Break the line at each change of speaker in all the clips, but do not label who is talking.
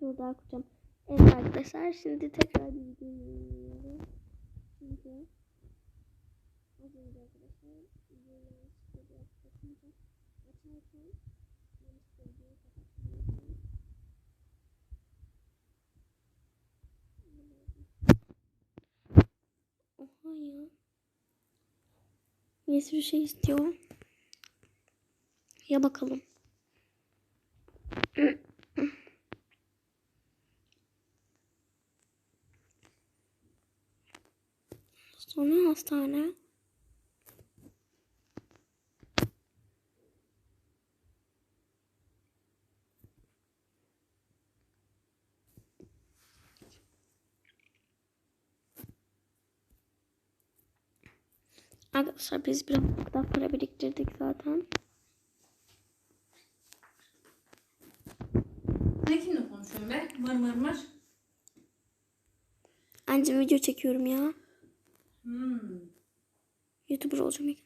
soru daha kuracağım. Evet arkadaşlar, şimdi tekrar bir videoyu çünkü az önce arkadaşlar videoyu açınca açarken yanlışlıkla videoyu kapattım. Oha ya. Bir sürü şey istiyor. Ya bakalım. Sonra hastane. Arkadaşlar biz biraz daha para biriktirdik zaten.
Ne kimle konuşuyorsun be? Mır mır mır.
Anca video çekiyorum ya. YouTuber olacağım yakında.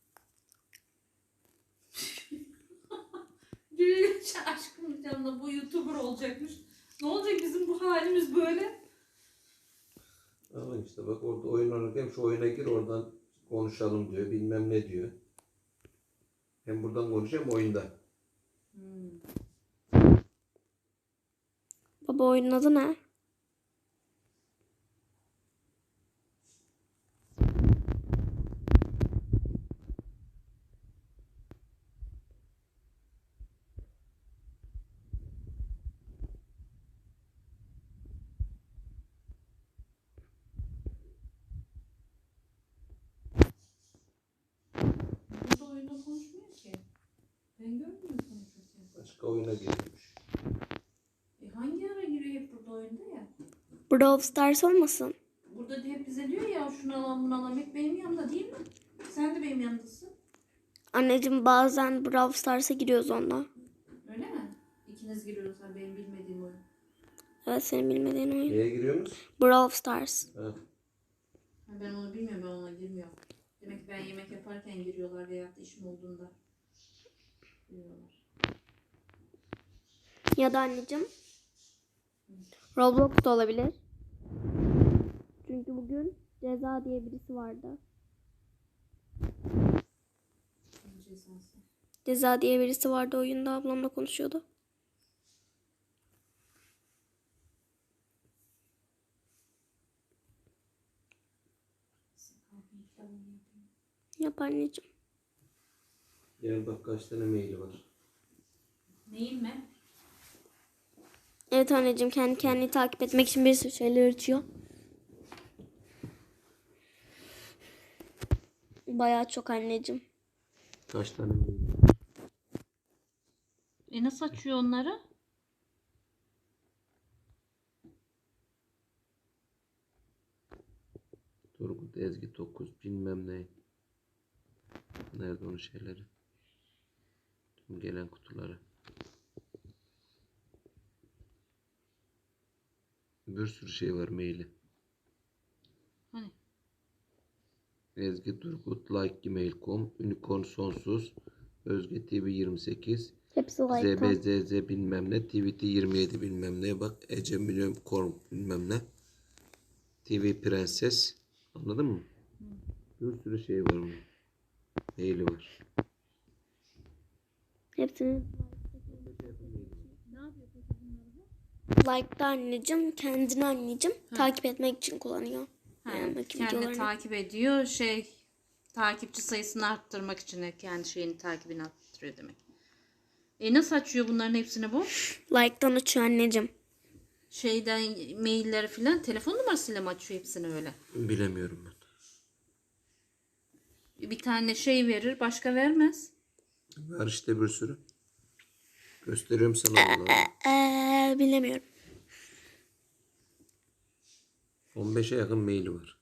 Gülüş aşkım canına bu YouTuber olacakmış. Ne olacak bizim bu halimiz böyle?
Ama işte bak orada oyun oynarken şu oyuna gir oradan konuşalım diyor. Bilmem ne diyor. Hem buradan konuşayım oyunda.
Baba oyunun adı ne?
Burada oyunda konuşmuyor ki. Ben görmüyorum konuşurken.
Başka oyuna girmiş.
Hangi ara giriyor hep burada oyunda ya?
Brawl Stars olmasın?
Burada da hep bize diyor ya şunu alalım bunu alalım. Hep benim yanımda değil mi? Sen de benim yanımdasın.
Anneciğim bazen Brawl Stars'a giriyoruz onunla.
Öyle mi? İkiniz giriyorsunuz benim bilmediğim oyun.
Evet, senin bilmediğin oyun.
Neye giriyorsunuz?
Brawl Stars.
Ha.
Ben onu bilmiyorum, ben ona girmiyorum. Demek ki ben yemek yaparken giriyorlar veya da işim olduğunda giriyorlar.
Ya da anneciğim Roblox da olabilir. Çünkü bugün Ceza diye birisi vardı.
Cezası.
Ceza diye birisi vardı oyunda, ablamla konuşuyordu. Yap anneciğim.
Gel bak kaç tane maili var.
Neyim mi?
Evet anneciğim, kendi kendini takip etmek için bir sürü şeyler açıyor. Bayağı çok anneciğim.
Kaç tane mail var?
Nasıl açıyor onları?
Turgut Ezgi 9 bilmem ne. Nerede onun şeyleri? Tüm gelen kutuları. Bir sürü şey var maili.
Hani?
Ezgi Turgut like.gmail.com Unicorn Sonsuz Özge TV 28
Hepsi like'tan.
ZBZZ bilmem ne TVT 27 bilmem ne bak Ece Milyon Korn bilmem ne TV Prenses anladın mı? Bir sürü şey var bunun. Maili var.
Hepsini like'ta anneciğim, kendini anneciğim takip etmek için kullanıyor. Yanındaki
Kendi
videolarını.
takip ediyor. Takipçi sayısını arttırmak için de kendi şeyini takibini arttırıyor demek. Nasıl açıyor bunların hepsini bu?
Like'tan açıyor anneciğim.
Şeyden mailleri filan telefon numarasıyla mı açıyor hepsini öyle?
Bilemiyorum ben.
Bir tane şey verir, başka vermez.
Var işte bir sürü. Gösteriyorum sana onları.
Bilemiyorum.
15'e yakın maili var.